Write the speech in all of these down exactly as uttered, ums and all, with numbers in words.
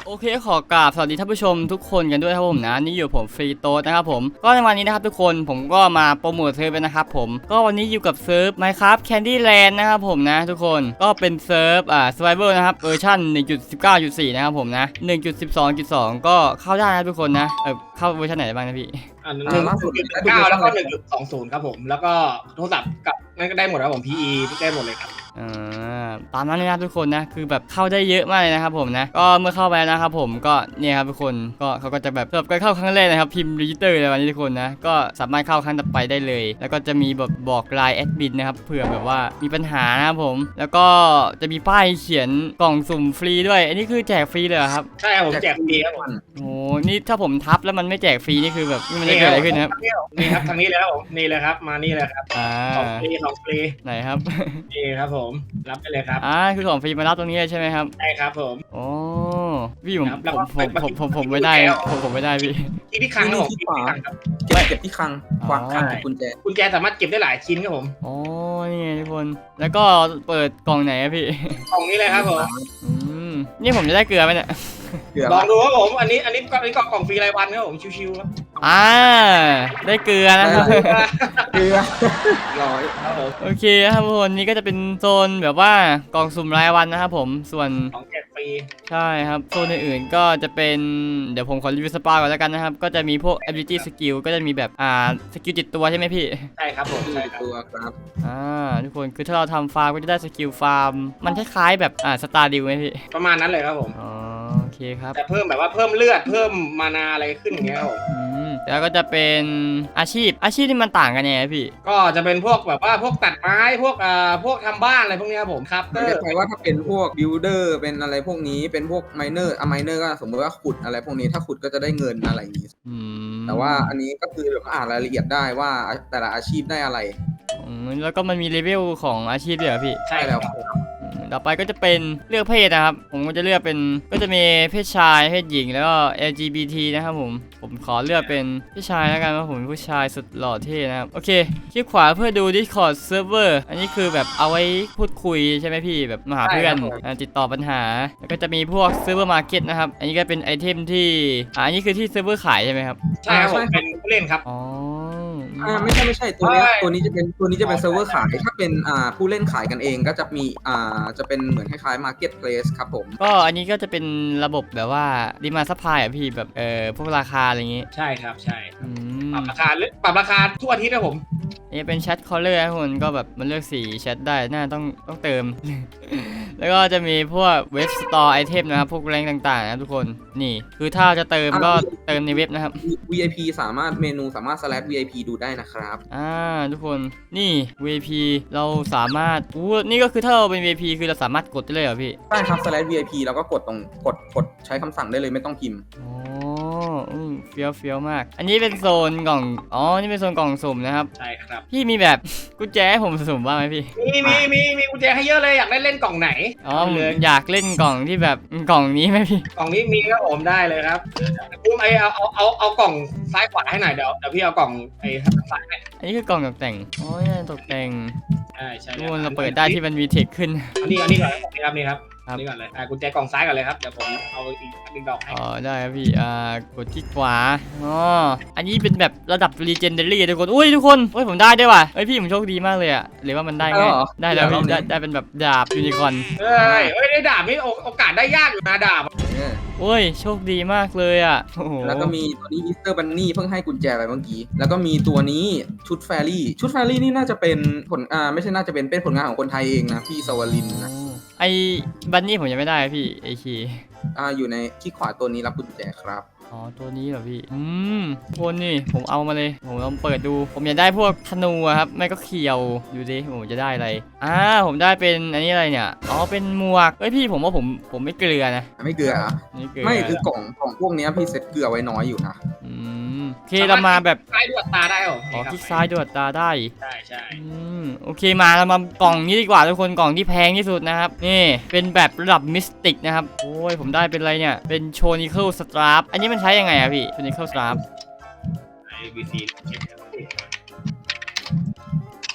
โอเคขอกราบสวัสดีท่านผู้ชมทุกคนกันด้วยครับผมนะนี่อยู่ผมฟรีโต้นะครับผมก็ในวันนี้นะครับทุกคนผมก็มาโปรโมทเซิร์ฟนะครับผมก็วันนี้อยู่กับเซิร์ฟ Minecraft Candyland นะครับผมนะทุกคนก็เป็นเซิร์ฟอ่า Survival นะครับเวอร์ชัน หนึ่งจุดสิบเก้าจุดสี่ นะครับผมนะ หนึ่งจุดสิบสองจุดสอง ก็เข้าได้นะทุกคนนะเออเข้าเวอร์ชันไหนบ้างนะพี่อ่าหนึ่งจุดเก้าแล้วก็หนึ่งจุดสองศูนย์ครับผมแล้วก็โทรศัพท์กับนั่นก็ได้หมดครับผม พี อี ได้หมดเลยครับอ่าตามนั้นเลยนะทุกคนนะคือแบบเข้าได้เยอะมากเลยนะครับผมนะก็เมื่อเข้าไปนะครับผมก็เนี่ยครับทุกคนก็เขาก็จะแบบสำหรับการเข้าครั้งแรกนะครับพิมพ์รีจิสเตอร์ในวันนี้ทุกคนนะก็สามารถเข้าครั้งต่อไปได้เลยแล้วก็จะมีแบบบอกไลน์แอดมินนะครับเผื่อแบบว่ามีปัญหานะครับผมแล้วก็จะมีป้ายเขียนกล่องสุ่มฟรีด้วยอันนี้คือแจกฟรีเลยครับใช่ครับผมแจกฟรีครับผมโอ้นี่ถ้าผมทับแล้วมันไม่แจกฟรีนี่คือแบบมันจะเกิดอะไรขึ้นครับนี่ครับทางนี้เลยครับผมนี่เลยครับมานี่เลยครับของฟรีของฟรีไหนครับนี่ครับผมรับไปเลยครับอ่าคือของฟรีมารับตรงนี้ใช่ไหมครับใช่ครับผมโอ้พี่ผมผมผมผมผมไม่ได้ผมผมไม่ได้พี่ที่ที่คลังครับผมที่ขวาเก็บเก็บที่คลังควักคลังกุญแจกุญแจสามารถเก็บได้หลายชิ้นครับผมโอ้นี่ไงทุกคนแล้วก็เปิดกล่องไหนอะพี่กล่องนี้เลยครับผมอืมนี่ผมจะได้เกลือไหมเนี่ยลองดูครับผมอันนี้อันนี้ก็อันนี้กล่องฟรีรายวันครับผมชิวๆครับอ่าได้เกลือนะครับเกลือร้อยโอเคครับทุกคนนี่ก็จะเป็นโซนแบบว่ากล่องสุ่มรายวันนะครับผมส่วนของแจกฟรีใช่ครับโซนอื่นๆก็จะเป็นเดี๋ยวผมขอรีวิวสปาก่อนแล้วกันนะครับก็จะมีพวก ability skill ก็จะมีแบบอ่าสกิลติดตัวใช่ไหมพี่ใช่ครับผมใช่ครับตัวครับอ่าทุกคนคือถ้าเราทำฟาร์มก็จะได้สกิลฟาร์มมันคล้ายๆแบบอ่าสตาร์ดิวไหมพี่ประมาณนั้นเลยครับผมอ๋อโอเคครับแต่เพิ่มแบบว่าเพิ่มเลือดเพิ่มมานาอะไรขึ้นอย่างเงี้ยครับผมแล้วก็จะเป็นอาชีพอาชีพที่มันต่างกันยังไงพี่ก็จะเป็นพวกแบบว่าพวกตัดไม้พวกอ่าพวกทำบ้านอะไรพวกนี้ครับผมครับไม่ใช่ว่าถ้าเป็นพวกบิลเดอร์เป็นอะไรพวกนี้เป็นพวกไมเนอร์อะไมเนอร์ก็สมมติว่าขุดอะไรพวกนี้ถ้าขุดก็จะได้เงินอะไรอย่างนี้แต่ว่าอันนี้ก็คือแบบอ่านรายละเอียดได้ว่าแต่ละอาชีพได้อะไรแล้วก็มันมีเลเวลของอาชีพด้วยเหรอพี่ใช่แล้วต่อไปก็จะเป็นเลือกเพศนะครับผมก็จะเลือกเป็นก็จะมีเพศชายเพศหญิงแล้วก็ แอล จี บี ที นะครับผมผมขอเลือกเป็นเพศชายแล้วกันเพราะผมเป็นผู้ชายสุดหล่อเท่นะครับโอเคคลิกขวาเพื่อดู Discord Server อันนี้คือแบบเอาไว้พูดคุยใช่ไหมพี่แบบมาหาเพื่อนติดต่อปัญหาแล้วก็จะมีพวก Server Market นะครับอันนี้ก็เป็นไอเทมที่อ่าอันนี้คือที่เซิร์ฟเวอร์ขายใช่ไหมครับใช่ครับผมเป็นผู้เล่นครับอ๋ออ่าไม่ใช่ไม่ใช่ตัวนี้ตัวนี้จะเป็นตัวนี้จะเป็นเซิร์ฟเวอร์ขายถ้าเป็นอ่าผู้เล่นขายกันเองก็จะมีอ่าจะเป็นเหมือนคล้ายๆ Marketplace ครับผมก็อันนี้ก็จะเป็นระบบแบบว่าดีมาซัพพลายอ่ะพี่แบบเออพวกราคาอะไรอย่างงี้ใช่ครับใช่ปรับราคาปรับราคาทุกอาทิตย์นะผมนี่เป็นแชทคอลเลอร์ทุกคนก็แบบมันเลือกสีแชทได้น่าต้องต้องเติม แล้วก็จะมีพวกเว็บสตอร์ไอเทมนะครับพวกแรงต่างๆนะทุกคนนี่คือถ้าจะเติมก็เติมในเว็บนะครับวี ไอ พี สามารถเมนูสามารถ slash วี ไอ พี ดูได้นะครับอ่าทุกคนนี่ วี ไอ พี เราสามารถอู้นี่ก็คือถ้าเราเป็น วี ไอ พี คือเราสามารถกดได้เลยเหรอพี่ใช่ครับ slash วี ไอ พี แล้วก็กดตรงกดกดใช้คำสั่งได้เลยไม่ต้องพิมพ์อ๋ออืมเฟี้ยวเฟี้ยวมากอันนี้เป็นโซนกล่องอ๋อนี่เป็นโซนกล่องสุ่มนะครับใช่ครับพี่มีแบบกุญแจให้ผมสุ่มบ้างไหมพี่มีมีมีมีกุญแจให้เยอะเลยอยากได้เล่นกล่องไหนอ๋อเลยอยากเล่นกล่องที่แบบกล่องนี้ไหมพี่กล่องนี้มีครับผมได้เลยครับพี่ไอเอาเอาเอาเอากล่องซ้ายขวาให้หน่อยเดี๋ยวเดี๋ยวพี่เอากล่องไอ้ซ้ายให้อันนี้คือกล่องตกแต่งอ๋อตกแต่งใช่ใช่ทุกคนเราเปิดได้ที่มันมีเทคขึ้นอันนี้อันนี้ก่อนนี่ครับนี่ครับนี่ก่อนเลยอ่ากุญแจกล่องซ้ายก่อนเลยครับเดี๋ยวผมเอาอีกอีกดอกให้อ๋อได้ครับพี่อ่ากดที่ขวาอ๋ออันนี้เป็นแบบระดับ Legendary ทุกคนอุ้ยทุกคนเฮ้ยผมได้ด้วยว่ะเฮ้ยพี่ผมโชคดีมากเลยอะหรือว่ามันได้ไงได้แล้วพี่ได้ได้เป็นแบบดาบยูนิคอร์นเฮ้ยเฮ้ยได้ดาบนี่โอกาสได้ยากอยู่นะดาบโอ้ยโชคดีมากเลยอ่ะแล้วก็มีตัวนี้อีสเตอร์บันนี่เพิ่งให้กุญแจไปเมื่อกี้แล้วก็มีตัวนี้ชุดแฟรี่ชุดแฟรี่นี่น่าจะเป็นผลอ่าไม่ใช่น่าจะเป็นเป็นผลงานของคนไทยเองนะพี่สวรินนะไอ้บันนี่ผมยังไม่ได้พี่ไอคีอ่าอยู่ในที่ขวาตัวนี้รับกุญแจครับอ๋อตัวนี้เหรอพี่อืมคนนี่ผมเอามาเลยผมลองเปิดดูผมอยากได้พวกธนูครับไม่ก็เขียวดูดิผมจะได้อะไรอ่าผมได้เป็นอันนี้อะไรเนี่ยอ๋อเป็นหมวกเฮ้ยพี่ผมว่าผมผมไม่เกลือนะไม่เกลืออ่ะไม่คือกล่องกล่องพวกนี้พี่เซ็ตเกลือไว้น้อยอยู่นะอืมโอเคเรามาแบบซ้ายดวดตาได้หรออ๋อคลิกซ้ายดวดตาได้ใช่ใช่อืมโอเคมาเรามากล่องนี้ดีกว่าทุกคนกล่องที่แพงที่สุดนะครับนี่เป็นแบบระดับมิสติกนะครับโอ้ยผมได้เป็นอะไรเนี่ยเป็นโชนิเคิลสตราฟอันนี้มันใช้ยังไงอะพี่โชนิเคิลสตราฟไอ บี ซี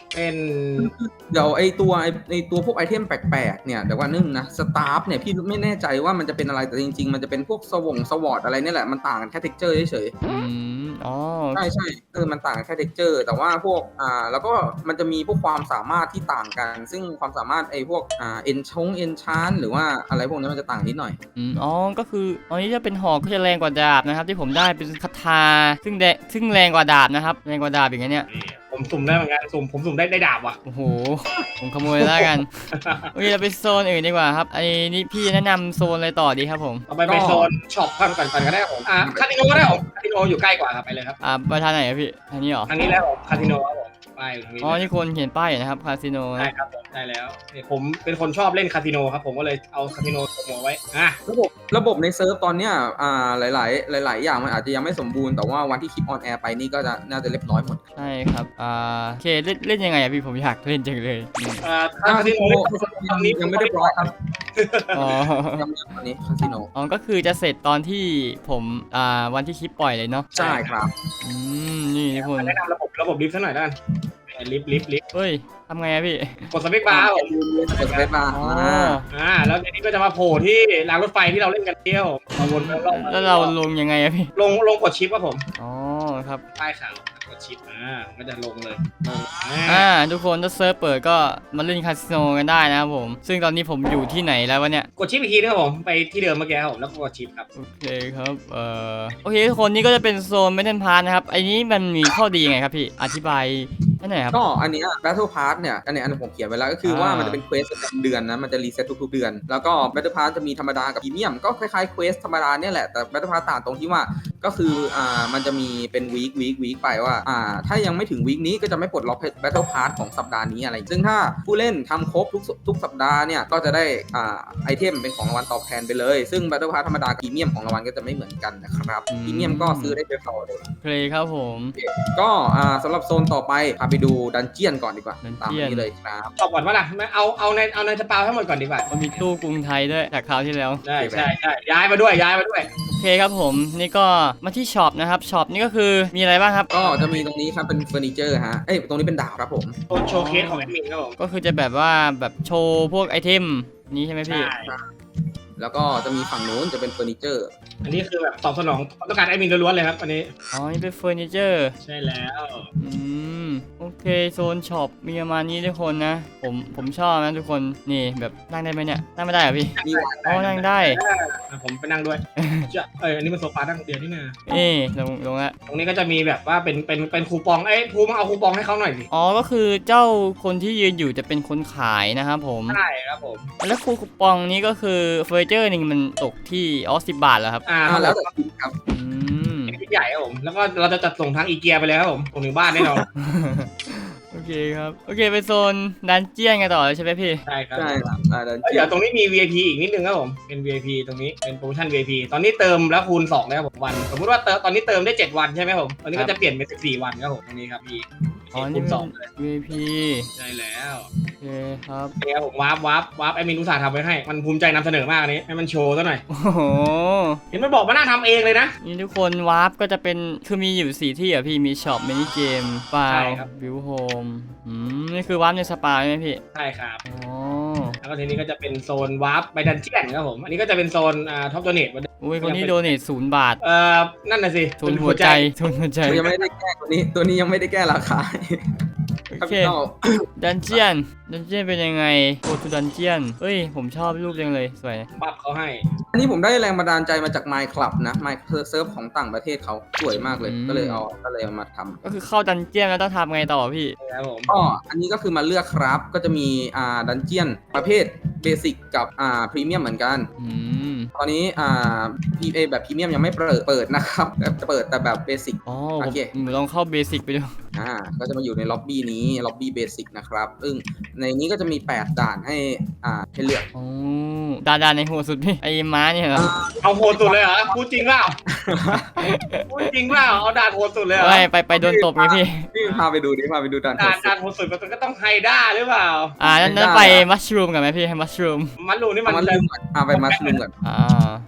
เป็นเดี๋ยวไอตัวไอไอตัวพวกไอเทมแปลกๆเนี่ยเดี๋ยวว่านึงนะสตาฟเนี่ยพี่ไม่แน่ใจว่ามันจะเป็นอะไรแต่จริงๆมันจะเป็นพวกสวงสวอตอะไรเนี่ยแหละมันต่างกันแค่เท็กเจอร์เฉยอืมอ๋อๆใช่ใช่เออมันต่างกันแค่เท็กเจอร์แต่ว่าพวกอ่าแล้วก็มันจะมีพวกความสามารถที่ต่างกัน ซึ่งความสามารถไอพวกอ่าเอนชงเอนชานหรือว่าอะไรพวกนี้มันจะต่างนิดหน่อยอืมอ๋อก็คืออันนี้จะเป็นหอกก็จะแรงกว่าดาบนะครับที่ผมได้เป็นคาถาซึ่งแดซึ่งแรงกว่าดาบนะครับแรงกว่าดาบอย่างเงี้ยเนี่ยนี่ผมสุ่มได้เหมือนกันสุ่มผมสุ่มได้ได้ดาบว่ะโอ้โหผมขโมยแล้วกัน โอเคเราไปโซนอื่นดีกว่าครับไอ้นี่พี่แนะนำโซนอะไรต่อดีครับผมเอาไปไปโซนช็อปก่อนก่อนก่อนก็ได้ครับผมอ่าคาสิโนก็ได้ผมคาสิโนอยู่ใกล้กว่าครับไปเลยครับอ่าไปทางไหนอะพี่ทางนี้เหรอทางนี้แล้วผมคาสิโนครับผมไปตรงนี้อ๋อนี่คนเขียนป้ายอยู่นะครับคาสิโนได้นะครับผมได้แล้วนี่ผมเป็นคนชอบเล่นคาสิโนครับผมก็เลยเอาคาสิโนตัวหัวไว้อ่ะระบบระบบในเซิร์ฟตอนเนี้ยอ่าหลาย ๆ หลาย ๆ อย่างมันอาจจะยังไม่สมบูรณ์แต่ว่าวันที่คลิปออนแอร์ไปนี่ก็จะน่าจะเรียบร้อยหมดใช่ครับอ่าโอเคเล่นเล่นยังไงอะพี่ผมอยากเล่นจังเลยอืมอ่าคาสิโนตอนนี้ยังไม่ได้ร้อยครับอ๋อยังไม่ตอนนี้คาสิโนอ๋อก็คือจะเสร็จตอนที่ผมอ่าวันที่คลิปปล่อยเลยเนาะใช่ครับอืมนี่ทุกคนแนะนำระบบระบบลิฟต์สักหน่อยแล้วกันลิฟต์ลิฟต์ลิฟต์เฮ้ยทำไงอะพี่กดสเปคบาร์ครับผมกดสเปซบาร์อ๋ออ่าอ่าแล้วทีนี้ก็จะมาโผล่ที่รางรถไฟที่เราเล่นกันเที่ยวมาวนรอบๆแล้วเราลงยังไงอะพี่ลงลงกดชิปครับผมอ๋อครับป้ายขาวกดชิปอ่าก็จะลงเลยลงอ่าทุกคนถ้าเซิร์ฟเปิดก็มาเล่นคาสิโนกันได้นะครับผม ซึ่งตอนนี้ผมอยู่ที่ไหนแล้ววะเนี่ยกดชิปอีกทีนะครับผมไปที่เดิมเมื่อกี้ครับผมแล้วก็กดชิปครับโอเคครับเอ่อโอเคทุกคนนี่ก็จะเป็นโซนเมทัลพาร์ทนะครับไอ้นี้มันมีข้อดียังไงครับพี่อธิบายให้หน่อยครับก็อันเนี้ย Battle Pass เนี่ยอันเนี้ยอันนี้ผมเขียนไว้แล้วก็คือว่าอ่ามัมันจะเป็นเควสประจำเดือนนะมันจะรีเซ็ตทุกๆเดือน แล้วก็ Battle Pass จะมีธรรมดากับพรีเมียมก็คล้ายๆเควสธรรมดาเนี่ยแหละแต่ Battle Pass ต่างตรงที่ว่าก็คืออ่ามันจะมีเป็นวีควีควีคไปว่าอ่าถ้ายังไม่ถึงวีคนี้ก็จะไม่ปลดล็อก Battle Pass ของสัปดาห์นี้อะไร ซึ่งถ้าผู้เล่นทำครบทุกทุกสัปดาห์เนี่ยก็จะได้อ่าไอเทมเป็นของรางวัลตอบแทนไปเลยซึ่ง Battle Pass ธรรมดากับพรีเมียมของรางวัลก็จะไม่เหมือนกันนะครับพรีเมียมก็ซื้อได้เฉพาะเลยโอเคครับผมก็อ่าสำหรับโซนต่อไปพาไปดูดันเจียนก่อนดีกว่า Dungeon ตามนี้เลยครับตอบก่อนว่าล่ะไม่เอาเอาในเอาในสปาวให้หมดก่อนดีกว่ามันมีตู้กรุงไทยด้วยจากคราวที่แล้วใช่ใช่ใช่ย้ายมาด้วยย้ายมาด้วยโอเคครับผมนี่ก็มาที่ช็อปนะครับช็อปนี่ก็คือมีอะไรบ้างครับก็จะมีตรงนี้ครับเป็นเฟอร์นิเจอร์ฮะ เอ้ยตรงนี้เป็นดาบครับผมโชว์โชว์เคสของแอดมินครับผมก็คือจะแบบว่าแบบโชว์พวกไอเทมนี้ใช่ไหมพี่ใช่แล้วก็จะมีฝั่งนู้นจะเป็นเฟอร์นิเจอร์อันนี้คือแบบตอบสนองต้องการแอดมินล้วนๆเลยครับอันนี้อ๋อนี่เป็นเฟอร์นิเจอร์ใช่แล้วอืมโอเคโซนช็อปมีประมาณนี้ทุกคนนะผมผมชอบนะทุกคนนี่แบบนั่งได้ไหมเนี่ยนั่งไม่ได้เหรอพี่มีอ๋อนั่งได้อ่ะผมไปนั่งด้วยจะเอออันนี้มันโซฟานั่งเดียวนี่นะเอ๊ลงลงละตรงนี้ก็จะมีแบบว่าเป็นเป็นเป็นคูปองเอ้ยภูมิเอาคูปองให้เขาหน่อยสิอ๋อก็คือเจ้าคนที่ยืนอยู่จะเป็นคนขายนะครับผมใช่ครับผมแล้วคูปองนี้ก็คือเฟอร์นิเจอร์หนึ่งมันตกที่อ๋อสิบบาทเหรอครับอ่าอ่าแล้แล้ว วแต่คุณครับอืมเป็นที่ใหญ่ครับผมแล้วก็เราจะจัดส่งทางอีเกียไปเลยครับผมส่งถึงบ้านแน่นอนโอเคครับโอเคไปโซนดันเจียนกันต่อเลยใช่ไหมพี่ใช่ครับใช่ครับอ่าดันเอ้ยเจียเดี๋ยนวตรงนี้มี วี ไอ พี อีกนิดนึงครับผมเป็น วี ไอ พี ตรงนี้เป็นโปรโมชั่น วี ไอ พี ตอนนี้เติมแล้วคูณสองแล้วผมวันสมมติว่าเติมตอนนี้เติมได้เจ็ดวันใช่ไหมผมตอนนี้ก็จะเปลี่ยนเป็นสิบสี่วันครับผมตรงนี้ครับพี่อ๋อคูนี่ณเป็นสองเลยวี ไอ พีใช่แล้วโอเคครับเนี่ยครับผมวาร์ปวาร์ปวาร์ปแอดมินอุตส่าห์ทำไว้ให้มันภูมิใจนำเสนอมากอันนี้ให้มันโชว์ซะหน่อยโอ้โหเห็นมันบอกมานั่งทำเองเลยนะนี่ทุกคนวาร์ปก็จะเป็นคือมีอยู่สี่ที่อ่ะพี่มีช็อปมินิเกมไฟใช่ล์ครับวิวโฮมอืมนี่คือวาร์ปในสปาใช่ไหมพี่ใช่ครับอ๋อแล้วก็ทีนี้ก็จะเป็นโซนวาร์ปไปดันเจียนครับผมอันนี้ก็จะเป็นโซนอ่าท็อปโดเนทอุ้ยคนนี้โดเนทศูนย์บาทเอ่อนั่นน่ะสิทุนหัวใจทุนหัวใจยังไม่ได้แก้ตัวนี้ตัวนี้ยังไม่ได้แก้ราคาโอเค Capital ดันเจียนดันเจียนเป็นยังไงโกทูดันเจียนเฮ้ยผมชอบรูปจังเลยสวยบัฟเขาให้อันนี้ผมได้แรงบันดาลใจมาจาก My Club นะ My เซิร์ฟของต่างประเทศเขาสวยมากเลย ก็เลยเอาก็เลยเอามาทำก็คือเข้าดันเจียนแล้วต้องทำไงต่อพี่ครับผมก็อันนี้ก็คือมาเลือกครับ ก็จะมีอ่าดันเจียนประเภทเบสิกกับอ่าพรีเมียมเหมือนกันอืมตอนนี้อ่า พี เอ แบบพรีเมียมยังไม่เปิดเปิดนะครับแบบจะเปิดแต่แบบเบสิกอ๋อโอผมเคผมลองเข้าเบสิกไปดูอ่าก็จะมาอยู่ในล็อบบี้นี้ล็อบบี้เบสิกนะครับซึ่งในนี้ก็จะมีแปดด่านให้อ่าให้เลือกอ๋อดาดาในหัวสุดพี่ไอ้ม้าเนี่ยเหรอเอาโหดสุดเลยเหรอพูดจริงเปล่าพูดจริงเปล่าเอาด่านโหดสุดเลยเหรอไปไปไปโดนตบไงพี่นี่พาไปดูดิพาไปดูด่านด่านด่านโหดสุดมันก็ต้องไฮด้าหรือเปล่าอ่านั้นนั้นไปมัชรูมกันไหมพี่ให้มัชรูมมันรูนี่มัมัน นมาลืมก่อนอ่าไปมาลืมก่อนอ่าไป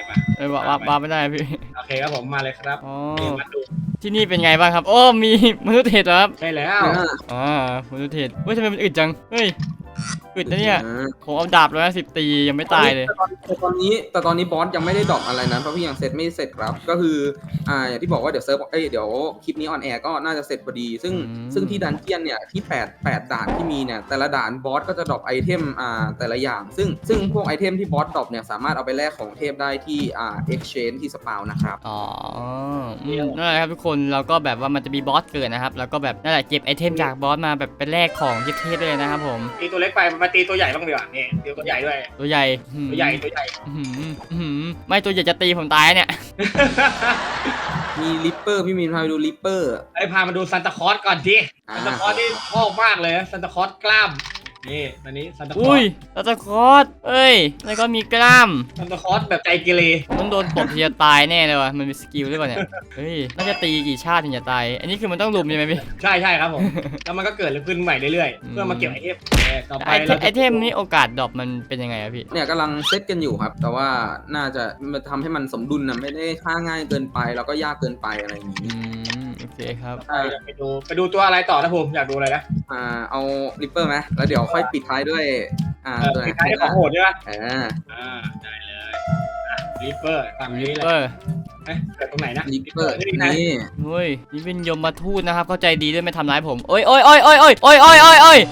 มาเอ้ยว่าว่าว่าไม่ได้พี่โอเคครับผมมาเลยครับอ๋อนี่มาดูที่นี่เป็นไงบ้างครับโอ้มีมนุษย์เห็ดเหรอครับใช่แล้วอ่าอ่ามนุษย์เห็ดเฮ้ยทำไมมันอึดจังเฮ้ยอึดนะเนี่ยอ่าผมเอาดาบร้อยห้าสิบตียังไม่ตายเลยแต่ตอนนี้แต่ตอนนี้บอสยังไม่ได้ดรอปอะไรนะเพราะพี่ยังเซตไม่เสร็จครับก็คืออ่าอย่างที่บอกว่าเดี๋ยวเซิร์ฟเอ้ยเดี๋ยวคลิปนี้ออนแอร์ก็น่าจะเสร็จพอดี ซึ่งอืมซึ่งที่ดันเจียนเนี่ยที่แปด แปดด่านที่มีเนี่ยแต่ละด่านบอสก็จะดรอปไอเทมอ่าแต่ละอย่าง ซึ่งซึ่งพวกไอเทมที่บอสดรอปเนี่ยสามารถเอาไปแลกของเทพได้ที่อ่า exchange ที่สปาวนะครับอ๋ออืมนั่นแหละครับทุกคนเราก็แบบว่ามันจะมีบอสเกิดนะครับแล้วก็แบบนั่นแหละเก็บไอเทมจากบอสมาแบบเป็นแลกของเทพๆเลยนะครับผมตีตัวเล็กไปมาตีตัวใหญ่บ้างดีกว่านี่ตีตัวใหญ่ด้วยตัวใหญ่หืมตัวใหญ่ตัวใหญ่หืมหืมไม่ตัวใหญ่จะตีผมตายเนี่ยมีลิปเปอร์พี่มินพาไปดูลิปเปอร์ไอ้พามาดูซันตาคลอสก่อนทีอ่าซันตาคลอสนี่ชอบมากเลยซันตาคลอสกล้ามนี่อันนี้ซันตาคลออุ้ยสตาตะคอสเอ้ยแล้วก็มีกล้ามซันตาคลอสแบบใจเกเรผมต้องโดนตบทีจะตายแน่เลยว่ะมันมีสกิลด้วยป่ะเนี่ยเฮ้ยน่าจะตีกี่ชาติถึงจะตายอันนี้คือมันต้องลุมใช่ไหมพี่ใช่ใช่ครับผม แล้วมันก็เกิดขึ้นใหม่เรื่อยอืมๆ เพื่อมาเก็บไอเทมเออต่อไปไอเทเรามไอเทมนี้โอกาสดรอปมันเป็นยังไงอะพี่เนี่ยกำลังเซตกันอยู่ครับ แต่ว่าน่าจะมันทำให้มันสมดุลนะไม่ได้ค่าง่ายเกินไปแล้วก็ยากเกินไปอะไรอย่างอืนี้มโอเคครับไปไปดูไปดูตัวอะไรต่อนะผมอยากดูอะไรนะอ่าเอาลิปเปอร์ไหมแล้วเดี๋ยวค่อยปิดท้ายด้วยอ่าเออตัวไหนปิดท้ายด้วยของโหดใช่ไหมอ่าอ่าได้เลยลิปเปอร์ตามนี้เลยเออเอ๊ะเกิดตรงไหนนะลิปเปอร์นี่นะนี่เฮ้ยนี่เป็นยมมาทูตนะครับเข้าใจดีด้วยไม่ทำร้ายผมโอ้ยโอ้ยโอ้ยโอ้ยโอ้ยโอ้ยโอ้ยโอ้ยโอ้ย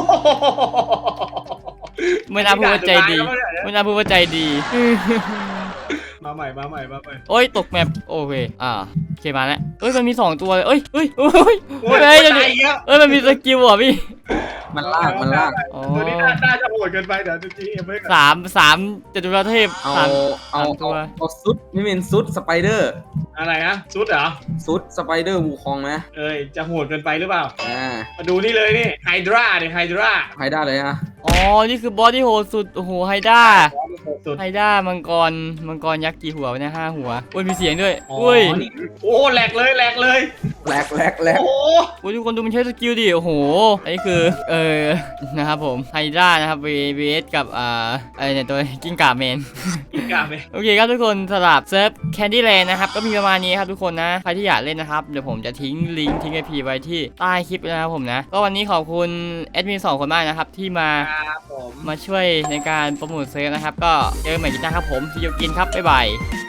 ไม่น่าพูดว่าใจดีไม่น่าพูดว่าใจดีมาใหม่มาใหม่มาใหม่โอ้ยตกแมปโอเคอ่าโอเคมาแล้วเอ้ยมันมีสองตัวเลยเอ้ยเอ้ยเอ้ยโอ้ยเฮ้ยตายอีกแล้วเอ้ยมันมีสกิลเหรอพี่มันลากมันลากอ๋อตัวนี้น่าน่าจะโหดเกินไปเดี๋ยวจะจี้ไม่สามสามจตุรเทพเอาสามเอาสามเอาตัวเอาซุดไม่เป็นซุดสไปเดอร์อะไรนะซุดเหรอซุดสไปเดอร์วูคองไหมเอ้ยจะโหดเกินไปหรือเปล่าอ่ามาดูนี่เลยนี่ไฮดราเนี่ยไฮดราใครได้เลยอ่ะอ๋อนี่คือบอสที่โหดสุดโอ้โหไฮด้าสุดไฮด้ามังกรมังกรยักษ์กี่หัววะเนี่ยห้าหัวโอ้ยมีเสียงด้วยอ๋ออุ้ยนี่โอ้แหลกเลยแหลกเลยแหลกแหลกแหลกโอ้โอ้ยทุกคนดูมันใช้สกิลดิโอ้โหอันนี้คือเออนะครับผมไฮด้านะครับ V S กับอ่าอะไรเนี่ยตัวกิ้งก่าเมนกินกาไปโอเคครับทุกคนสำหรับเซิร์ฟแคนดี้แลนด์นะครับก็มีประมาณนี้ครับทุกคนนะใครที่อยากเล่นนะครับเดี๋ยวผมจะทิ้งลิงก์ทิ้งไอพีไว้ที่ใต้คลิปนะครับผมนะก็วันนี้ขอบคุณแอดมินสองคนมากนะครับที่มาครับผมมาช่วยในการโปรโมทเซิร์ฟนะครับก็เจอกันใหม่กีตาร์ครับผมพี่โยกินครับบ๊ายบาย